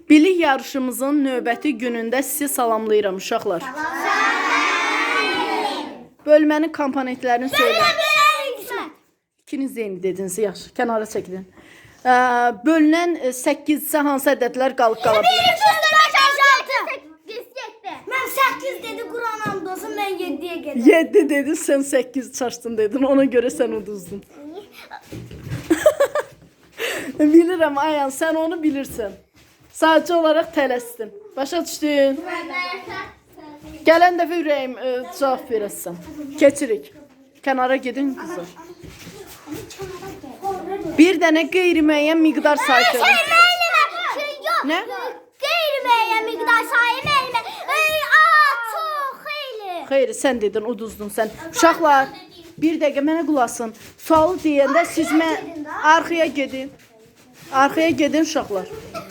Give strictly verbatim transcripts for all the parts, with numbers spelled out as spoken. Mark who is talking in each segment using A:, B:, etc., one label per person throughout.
A: Bilik yarışımızın növbəti günündə sizi salamlayıram uşaqlar. Bölmənin komponentlərini söyləyin. İkiniz eyni dediniz, yaxşı, kənara çəkilin. Bölünən səkkizcə hansı ədədlər qalıb qala bilər?
B: Mən səkkiz dedi, Quran and olsun, mən yeddiyə gedəm.
A: yeddi dedin, sən səkkiz çaşdın dedin, ona görə sən uduzdun. Bilirəm Ayan, sən onu bilirsən. Sadəcə olaraq tələsdin. Başa düşdün? Gələn dəfə ürəyim ə, cavab verəsən. Keçirik. Kənara gedin qızlar. Bir dənə qeyri-müəyyən miqdar sayı söylə. Nə?
B: Qeyri-müəyyən miqdar sayı müəllimə. Çox xeyli.
A: Xeyr, sən dedin, uduzdun sən. Uşaqlar, bir dəqiqə mənə qulaq asın. Sualı deyəndə siz mən arxaya gedin. Arxaya gedin uşaqlar.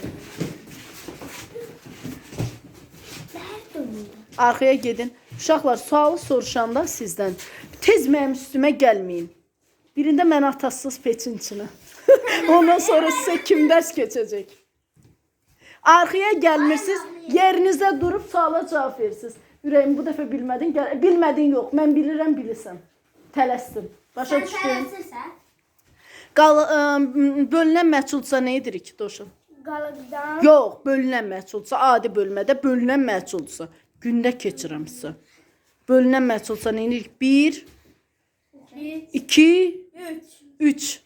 A: Arxaya gedin. Uşaqlar, sualı soruşanda sizdən tez mənim üstümə gəlməyin. Birində mən atasız peçin içinə. Ondan sonra sizə kim dərs keçəcək? Arxaya gəlmirsiniz, yerinizdə durub suala cavab verirsiniz. Ürəyim, bu dəfə bilmədin, gəl bilmədin yox, mən bilirəm, bilirsən. Tələsdim. Başa düşdün? Qal bölünən məhsulsa nə edirik, Doşun?
B: Qalıqdan.
A: Yox, bölünən məhsulsa, adi bölmədə bölünən məhsulsa, gündə keçirəm sizə. Bölünən məhsulsa nə edirik? bir, iki, üç.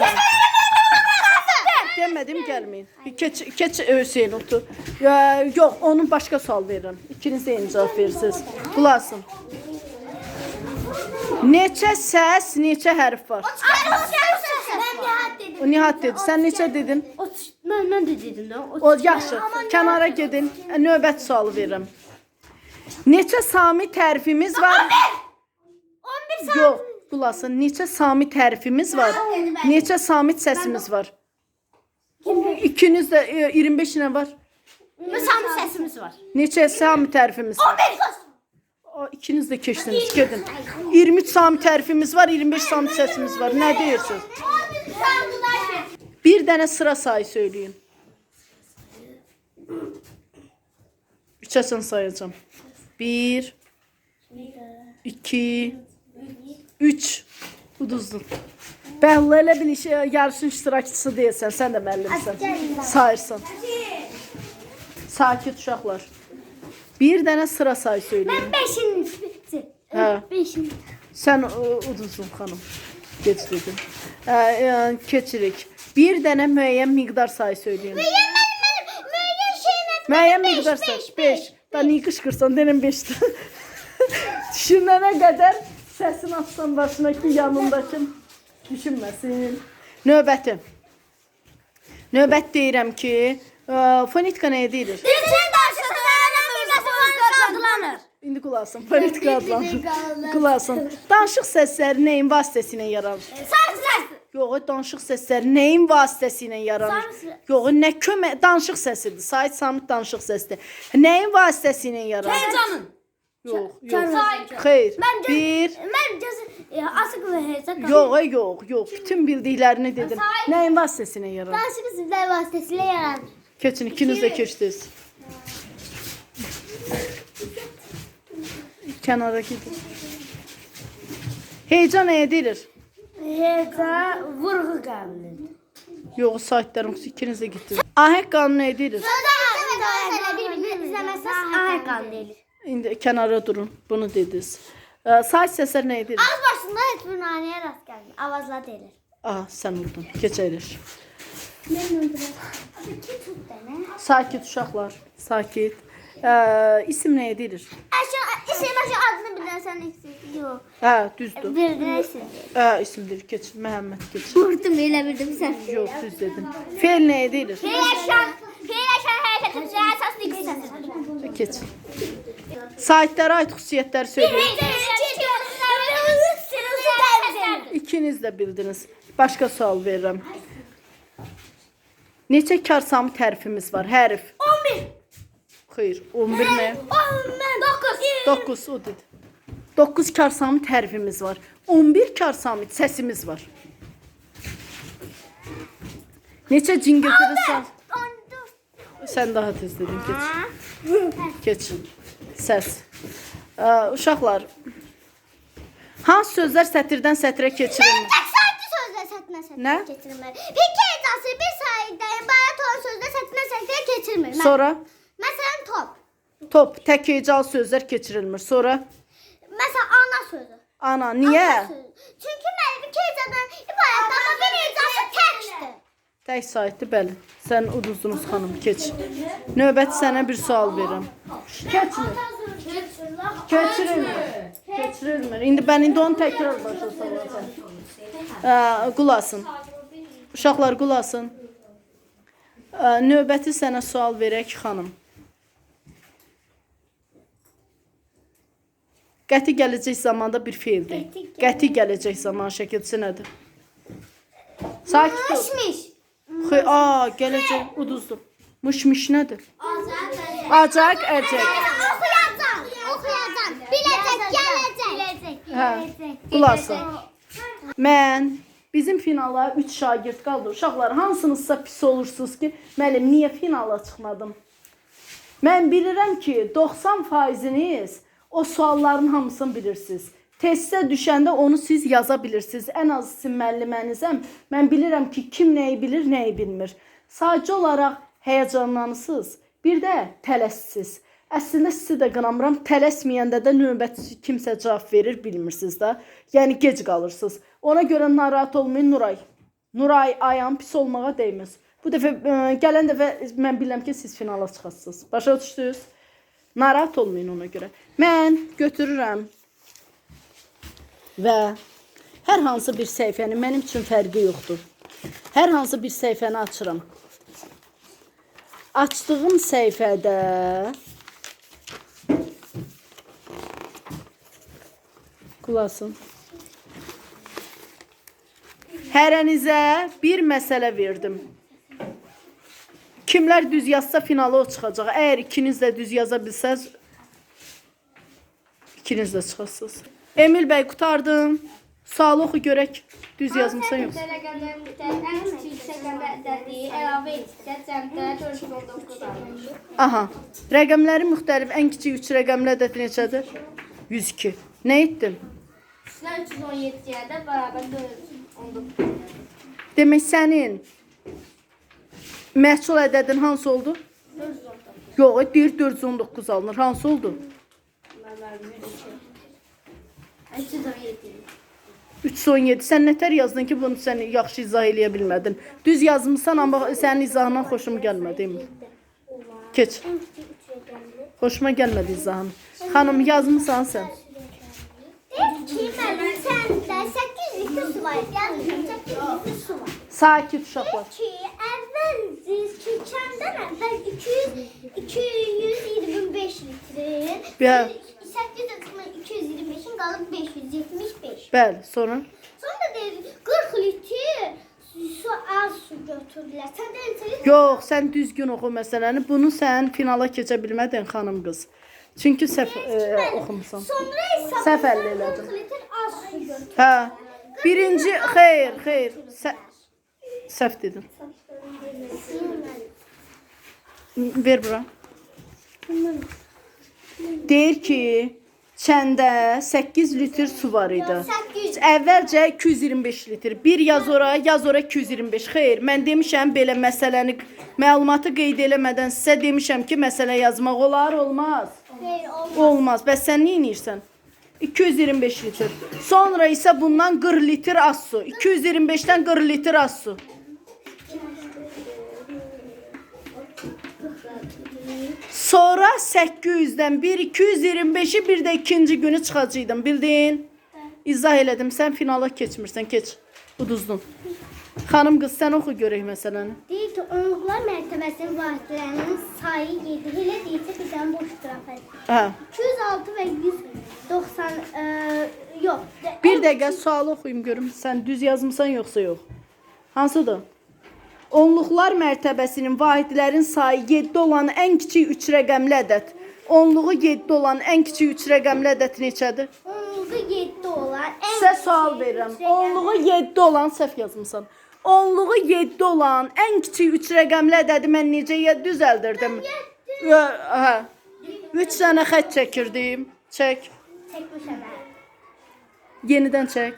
A: Demədim, gəlməyin. Keç, keç Hüseyin otur. Ya, yox, onun başqa sual verirəm. İkiniz də eyni cavab verirsiniz. Qulasın. Neçə səs, neçə hərf var?
B: Mən Nihat dedim.
A: O Nihat dedi. Sən neçə dedin?
B: Mən mən də dedim də.
A: O yaxşı. Kənara gedin. Növbət sualı verirəm. Neçə sami tərifimiz var?
B: on bir saat.
A: Yox, qulasın. Neçə sami tərifimiz var? Neçə samit səsimiz var? İkiniz də e, iyirmi beş nə var?
B: Sami səsimiz var.
A: Neçə sami tərifimiz var?
B: on bir kız.
A: O, ikiniz də keçdiniz, gedin. iyirmi üç sami tərifimiz var, iyirmi beş sami səsimiz var. Nə deyirsiniz? Bir dənə sıra sayı söyləyin. Üçəsən sayacağım. Bir, iki, üç. Uduzdun. Bəlli elə bil işə, yarışın iştirakçısı deyilsən, sən də müəllimsən. Sayırsan. Sakit uşaqlar. Bir dənə sıra sayı söyləyin.
B: Mən beşinci.
A: Hə.
B: Beşinci.
A: Sən uduzdun xanım. Geç dedim. Ə, ə, keçirik. Bir dənə müəyyən miqdar sayı söyləyin.
B: Müəyyən mənim müəyyən şeylə.
A: Müəyyən miqdar sayı. beş. Da niyə qışqırsan, denən beşdir. Düşünənə qədər səsini atsan başına ki, yanındakı düşünməsin. Növbəti. Növbət deyirəm ki, ə, fonetika nəyə deyilir?
B: Dilçin daşıqlarına mikrofon adlanır.
A: İndi qulasın, fonetika adlanır. Qulasın. Danışıq səsləri nəyin vasitəsilə yaranır?
B: Sarı səs.
A: Yox, danışıq səsləri nəyin vasitəsilə yaranır? Yox, nə kömək danışıq səsidir. Sait samit danışıq səsidir. Nəyin vasitəsilə yaranır?
B: Heyecanın.
A: Yox, yox. Xeyr. Bir.
B: Mən gözü asıq və heyecan.
A: Yox, yox, yox. Bütün bildiklərini dedim. Nəyin vasitəsilə yaranır?
B: Danışıq sizlər vasitəsilə yaranır.
A: Keçin, ikiniz də keçdiniz. Kənara gedin. Heyecan nəyə deyilir?
B: Heyecan vurğu qanunu.
A: Yox, saitlərim ikiniz də getdiniz. Ahəng qanunu nəyə deyilir?
B: Sözdə bir-birini izləməsəz ahər qanunu deyilir.
A: İndi kənara durun. Bunu dediniz. Sait səslər nəyə deyilir?
B: Az başında heç bir nanəyə rast gəlmir. Avazla deyilir.
A: Aha, sən vurdun. Keçəyilir.
B: Mən öldürəm. Abi ki tut dənə.
A: Sakit uşaqlar. Sakit. Ə, isim nəyə deyilir?
B: Əşə, isim əşə adını bilirsən isim. Yox.
A: Hə, düzdür.
B: Verdin isim.
A: Hə, isimdir. Keç. Məhəmməd keç.
B: Vurdum elə bildim sən.
A: Yox, düz dedin. Fe'l nəyə deyilir?
B: Fiiləşən, fiiləşən hərəkətin üzrə əsaslı iki səsidir.
A: Keç. Saitlərə aid xüsusiyyətləri söyləyin. İkiniz də bildiniz. Başqa sual verirəm. Neçə kar samı tərifimiz var? Hərf.
B: on bir.
A: Xeyr, on bir nə?
B: dokuz.
A: doqquz o dedi. doqquz kar samı tərifimiz var. on bir kar samı səsimiz var. Neçə cingiltiri sağ? Sən daha tez dedin, keç. Keç. Səs. Ə, uşaqlar, hansı sözlər sətirdən sətrə keçirilmir?
B: Tek sanki sözler satına satına
A: Ne?
B: getirmir. Bir kez bir sayıdan bayağı ton sözler satına satına getirmir.
A: Sonra
B: Mesela top.
A: top, tək hecal sözlər keçirilmir. Sonra
B: Mesela ana sözü.
A: ana, niyə?
B: Ana sözü. Çünkü ben bir kezadan ibaret ama bir hecası teksti.
A: Tək saytdı, bəli. Sən uduzdunuz xanım, keç. Növbəti sənə bir sual verirəm. Keçmir. Keçirilmir. Keçirilmir. İndi mən indi onu təkrar başa salacağam. Ə, Qulasın. Uşaqlar qulasın. Ə, Növbəti sənə sual verək xanım. Qəti gələcək zamanda bir feildir. Qəti gələcək zaman şəkilçisi nədir? Sakit ol.
B: Mişmiş.
A: Xey, a, gələcək uduzdur. Mışmış nədir? Acaq, əcək.
B: Okuyacağım. Okuyacağım. Bilecek, gelecek.
A: Hə, qulasın. Mən bizim finala üç şagird qaldı. Uşaqlar, hansınızsa pis olursunuz ki, müəllim, niyə finala çıxmadım? Mən bilirəm ki, doxsan faiziniz o sualların hamısını bilirsiniz. Testə düşəndə onu siz yaza bilirsiniz. Ən az sizin müəllimənizəm. Mən bilirəm ki, kim nəyi bilir, nəyi bilmir. Sadəcə olaraq həyəcanlanırsınız. Bir də tələssiniz. Əslində sizi də qınamıram. Tələsməyəndə də növbəti kimsə cavab verir, bilmirsiniz də. Yəni gec qalırsınız. Ona görə narahat olmayın Nuray. Nuray, ayağın pis olmağa dəyməz. Bu dəfə ə, gələn dəfə mən bilirəm ki, siz finala çıxasınız. Başa düşdünüz? Narahat olmayın ona görə. Mən götürürəm və hər hansı bir səhifənin mənim üçün fərqi yoxdur. Hər hansı bir səhifəni açıram. Açdığım səhifədə qulasın. Hərənizə bir məsələ verdim. Kimlər düz yazsa finala o çıxacaq. Əgər ikiniz də düz yaza bilsəz, ikiniz də çıxasınız. Emil bəy, qurtardım. Sualı oxu görək. Düz yazmısan yoxsa? Aha. Rəqəmləri müxtəlif. Ən kiçik üç rəqəmli ədəd neçədir? yüz iki. Nə etdin?
B: üç yüz on yediyə də bərabər dörd yüz on doqquz.
A: Demək sənin məhsul ədədin hansı oldu?
B: dörd yüz on doqquz.
A: Yox, deyir dörd yüz on doqquz alınır. Hansı oldu?
B: üç yüz on yedi.
A: üç yüz on yedi. Sən nətər yazdın ki, bunu sən yaxşı izah eləyə bilmədin? Düz yazmısan, amma sənin izahından xoşum gəlmədi. Keç. Xoşuma gəlmədi izahın. Xanım, yazmısan sən?
B: Ki, mənim səndə səkkiz litr su var. Yəni səkkiz litr su var.
A: Sakit uşaqlar.
B: Ki, əvvəl keçəndən əvvəl iki yüz iki yüz iyirmi beş litrin.
A: Bə.
B: səkkiz litrin iki yüz iyirmi beşin qalıb beş yüz yetmiş beş.
A: Bəli, sonra?
B: Sonra deyir qırx litr su az su götürdülər. Sən də neçə
A: Yox, sən düzgün oxu məsələni. Bunu sən finala keçə bilmədin xanım qız. Çünki səhv e, oxumusan.
B: Sonra isə
A: Səhv əldə elədin.
B: qırx litr az su götürdülər.
A: Hə. Birinci, xeyr, xeyr. Sə səhv dedim. Ver bura. Deyir ki, çəndə səkkiz litr su var idi.
B: səkkiz yüz.
A: Əvvəlcə iki yüz iyirmi beş litr. Bir yaz ora, yaz ora iki yüz iyirmi beş. Xeyr, mən demişəm belə məsələni, məlumatı qeyd eləmədən sizə demişəm ki, məsələ yazmaq olar, olmaz.
B: Xeyr, olmaz.
A: Olmaz. Bəs sən nə edirsən? iki yüz iyirmi beş litr. Sonra isə bundan qırx litr az su. iki yüz iyirmi beşdən qırx litr az su. Sonra səkkiz yüzdən bir iki yüz iyirmi beşi bir də ikinci günü çıxacaqdım. Bildin? İzah elədim. Sən finala keçmirsən. Keç. Uduzdun. Xanım qız, sən oxu görək məsələni.
B: Deyir ki, onluqlar mərtəbəsinin vahidlərinin sayı yedi. Elə deyilsə bir dənə boş qrafik.
A: Hə.
B: iki yüz altı və yüz doxsan e, yox.
A: Bir dəqiqə sualı oxuyum görüm. Sən düz yazmısan yoxsa yox? Hansıdır? Onluqlar mərtəbəsinin vahidlərin sayı yeddi olan ən kiçik üç rəqəmli ədəd. Onluğu yeddi olan ən kiçik üç rəqəmli ədəd neçədir?
B: Onluğu yeddi olan ən
A: Sizə sual verirəm. Onluğu yeddi olan səhv yazmısan. onluğu yeddi olan ən kiçik üç rəqəmli ədədi mən necə ye- düzəldirdim? Ə, Hə. üç dənə xətt çəkirdim. Çək.
B: Çekmişim ben.
A: Yenidən çək.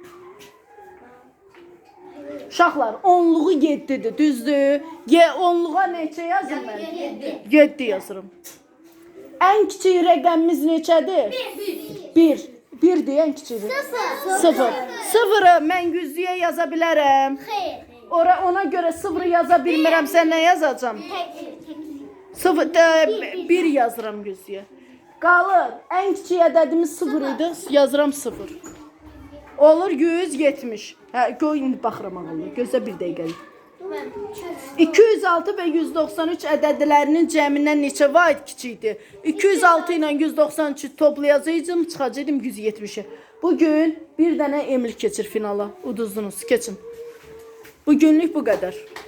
A: Uşaqlar, onluğu yeddidir, düzdür? Ye, onluğa neçə yazım mən? yeddi yazırım. Ən kiçik rəqəmimiz neçədir? bir. birdir ən kiçiyi.
B: Sıfır.
A: sıfır. sıfırı mən yüzlüyə yaza bilərəm.
B: Hayır.
A: Ora ona görə sıfırı yaza bilmirəm. Sən nə yazacağam?
B: Tek.
A: sıfır, də, bir yazıram yüzlüyə. Qalır. Ən kiçik ədədimiz sıfır idi. Yazıram sıfır. Olur yüz yetmiş. Hə, qoy indi baxıram ağıllı. Gözlə bir dəqiqəlik. iki yüz altı və yüz doxsan üç ədədlərinin cəmindən neçə vahid kiçikdir? iki yüz altı ilə yüz doxsan üçü toplayacağım, çıxacaqdım yüz yetmişə. Bugün bir dənə emlik keçir finala. Uduzdunuz, keçin. Bugünlük bu qədər.